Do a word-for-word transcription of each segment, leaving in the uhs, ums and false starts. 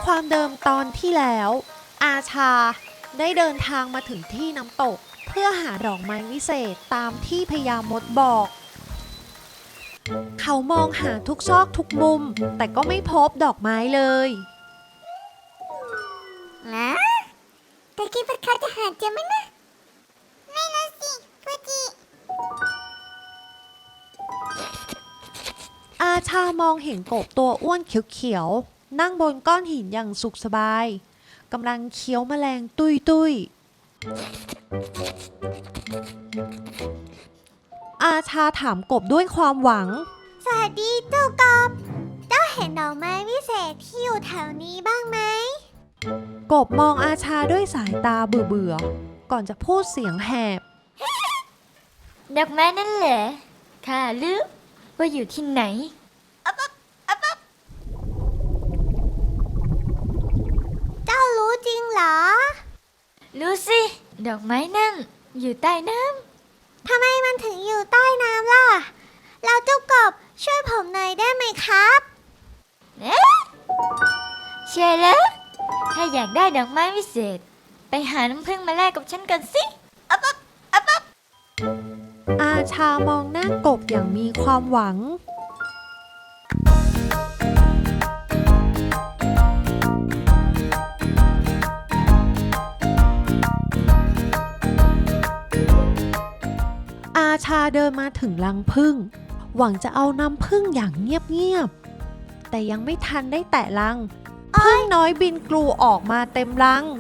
ความเดิมตอนที่แล้วอาชาได้เดินทางมาถึงที่น้ำตกเพื่อหาดอกไม้วิเศษตามที่พญามดบอก เขามองหาทุกซอกทุกมุมแต่ก็ไม่พบดอกไม้เลยนะแต่คิดว่าเขาจะหาเจอไหมนะไม่นะสิฟูจิอาชามองเห็นกบตัวอ้วนเขียวๆนั่งบนก้อนหินอย่างสุขสบายกำลังเคี้ยวแมลงตุยตุยอาชาถามกบด้วยความหวังสวัสดีเจ้ากบเจ้าเห็นดอกไม้วิเศษที่อยู่แถวนี้บ้างไหมกบมองอาชาด้วยสายตาเบื่อๆก่อนจะพูดเสียงแหบดอกไม้นั่นเหรอข้ารู้ว่าอยู่ที่ไหนอ๊ะอ๊ะอ๊ะอ๊ะเจ้ารู้จริงเหรอรู้สิดอกไม้นั่นอยู่ใต้น้ำทำไมมันถึงอยู่ใต้น้ำล่ะเราเจ้ากบช่วยผมหน่อยได้ไหมครับเอ๊ะใช่แล้วถ้าอยากได้ดอกไม้วิเศษไปหาน้ำผึ้งมาแลกกับฉันกันสิอ๊ะอ๊ะอ๊ะอ๊ะอาชามองหน้ากบอย่างมีความหวังอาชาเดินมาถึงรังผึ้งหวังจะเอาน้ำผึ้งอย่างเงียบๆแต่ยังไม่ทันได้แตะรังผึ้งน้อยบินกลูออกมาเต็มรัง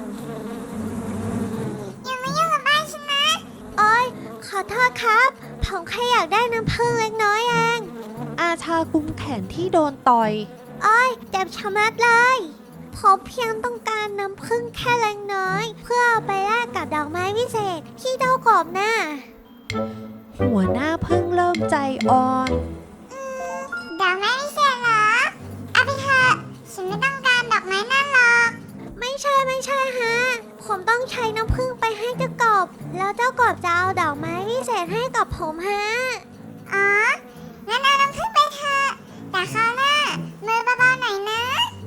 อย่ามายุ่งกับบ้านฉันนะโอ๊ยขอโทษครับผมแค่อยากได้น้ำผึ้งเล็กน้อยเองอาชากุมแขนที่โดนต่อยโอ๊ยเจ็บชะมัดเลยผมเพียงต้องการน้ำผึ้งแค่เล็กน้อยเพื่อเอาไปแลกกับดอกไม้วิเศษที่เจ้ากบน่ะหัวหน้าผึ้งเริ่มใจอ่อนดอกไม้วิเศษเหรอเอาไปเถอะฉันไม่ต้องการดอกไม้นั่นหรอกไม่ใช่ไม่ใช่ฮะผมต้องใช้น้ำผึ้งไปให้เจ้ากบแล้วเจ้ากบจะเอาดอกไม้วิเศษให้กับผมฮะอ๋องั้นเอาน้ำผึ้งไปเถอะแต่คราวหน้ามือเบาๆหน่อยนะ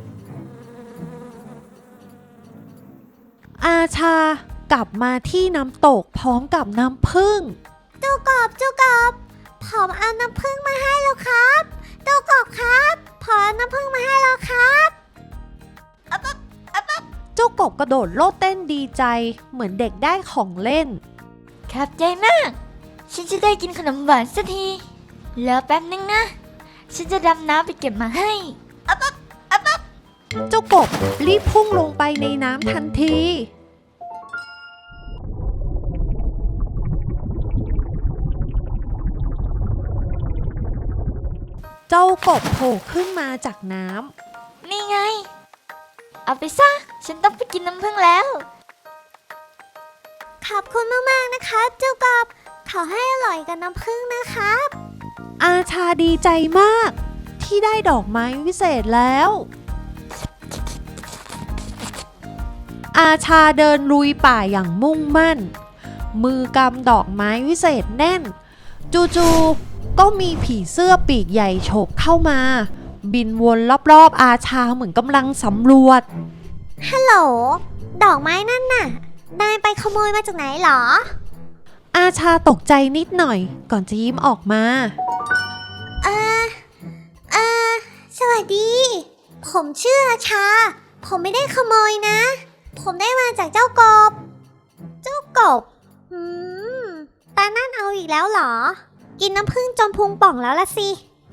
อาชากลับมาที่น้ำตกพร้อมกับน้ำผึ้งเจ้ากบเจ้ากบผมเอาน้ำผึ้งมาให้แล้วครับเจ้ากบครับผมเอาน้ำผึ้งมาให้แล้วครับอ๊ะอ๊ะอ๊ะอ๊ะเจ้ากบกระโดดโลดเต้นดีใจเหมือนเด็กได้ของเล่นขอบใจมากฉันจะได้กินขนมหวานสักทีรอแป๊บนึงนะฉันจะดำน้ำไปเก็บมาให้อ๊ะอ๊ะอ๊ะอ๊ะเจ้ากบรีบพุ่งลงไปในน้ำทันทีเจ้ากบโผล่ขึ้นมาจากน้ำนี่ไงเอาไปซะฉันต้องไปกินน้ำผึ้งแล้วขอบคุณมากๆนะครับเจ้ากบขอให้อร่อยกับน้ำผึ้งนะครับอาชาดีใจมากที่ได้ดอกไม้วิเศษแล้วอาชาเดินลุยป่าอย่างมุ่งมั่นมือกำดอกไม้วิเศษแน่นจู่ๆก็มีผีเสื้อปีกใหญ่โฉบเข้ามาบินวนรอบๆอาชาเหมือนกำลังสำรวจฮัลโหลดอกไม้นั่นน่ะนายไปขโมยมาจากไหนหรออาชาตกใจนิดหน่อยก่อนจะยิ้มออกมาเออเออสวัสดีผมชื่ออาชาผมไม่ได้ขโมยนะผมได้มาจากเจ้ากบเจ้ากบอืมตานั่นเอาอีกแล้วเหรอกินน้ำผึ้งจนพุงป่องแล้วละสิ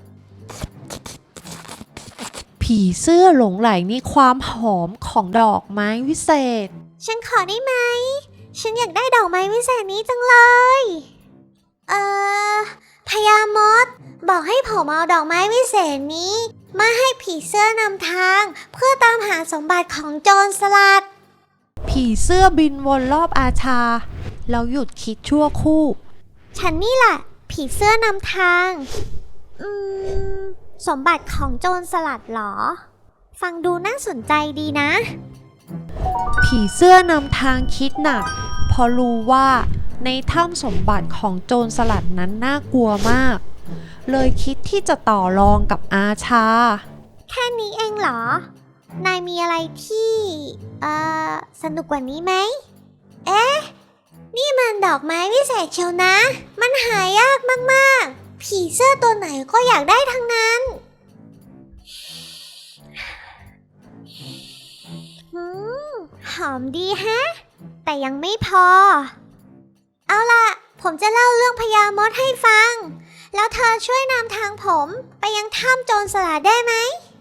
ผีเสื้อหลงไหลในความหอมของดอกไม้วิเศษฉันขอได้ไหมฉันอยากได้ดอกไม้วิเศษนี้จังเลย เอ่อพญามดบอกให้ผมเอาดอกไม้วิเศษนี้มาให้ผีเสื้อนำทางเพื่อตามหาสมบัติของโจรสลัดผีเสื้อบินวนรอบอาชาแล้วหยุดคิดชั่วคู่ฉันนี่แหละผีเสื้อนำทางอืมสมบัติของโจรสลัดเหรอฟังดูน่าสนใจดีนะผีเสื้อนำทางคิดหนักเพราะรู้ว่าในถ้ำสมบัติของโจรสลัดนั้นน่ากลัวมากเลยคิดที่จะต่อรองกับอาชาแค่นี้เองเหรอนายมีอะไรที่เอ่อสนุกกว่านี้ไหม เอ๊ะ นี่มันดอกไม้วิเศษเชียวนะ มันหายากมากๆ ผีเสื้อตัวไหนก็อยากได้ทั้งนั้น หืม หอมดีแฮะ แต่ยังไม่พอ เอาล่ะ ผมจะเล่าเรื่องพญามดให้ฟัง แล้วเธอช่วยนำทางผมไปยังถ้ำโจรสลัดได้ไหม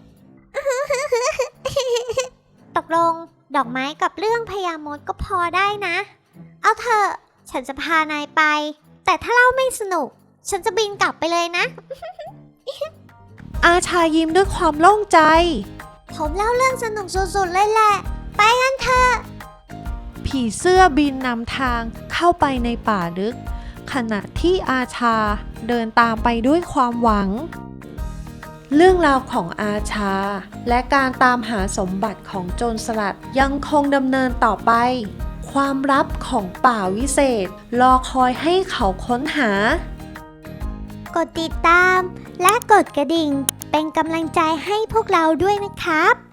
ตกลงดอกไม้กับเรื่องพญามดก็พอได้นะ เอาเถอะฉันจะพานายไป แต่ถ้าเล่าไม่สนุก ฉันจะบินกลับไปเลยนะอาชายิ้มด้วยความโล่งใจผมเล่าเรื่องสนุกสุดๆเลยแหละ ไปกันเถอะผีเสื้อบินนำทางเข้าไปในป่าลึก ขณะที่อาชาเดินตามไปด้วยความหวัง เรื่องราวของอาชาและการตามหาสมบัติของโจรสลัดยังคงดำเนินต่อไป ความลับของป่าวิเศษรอคอยให้เขาค้นหากดติดตามและกดกระดิ่งเป็นกำลังใจให้พวกเราด้วยนะครับ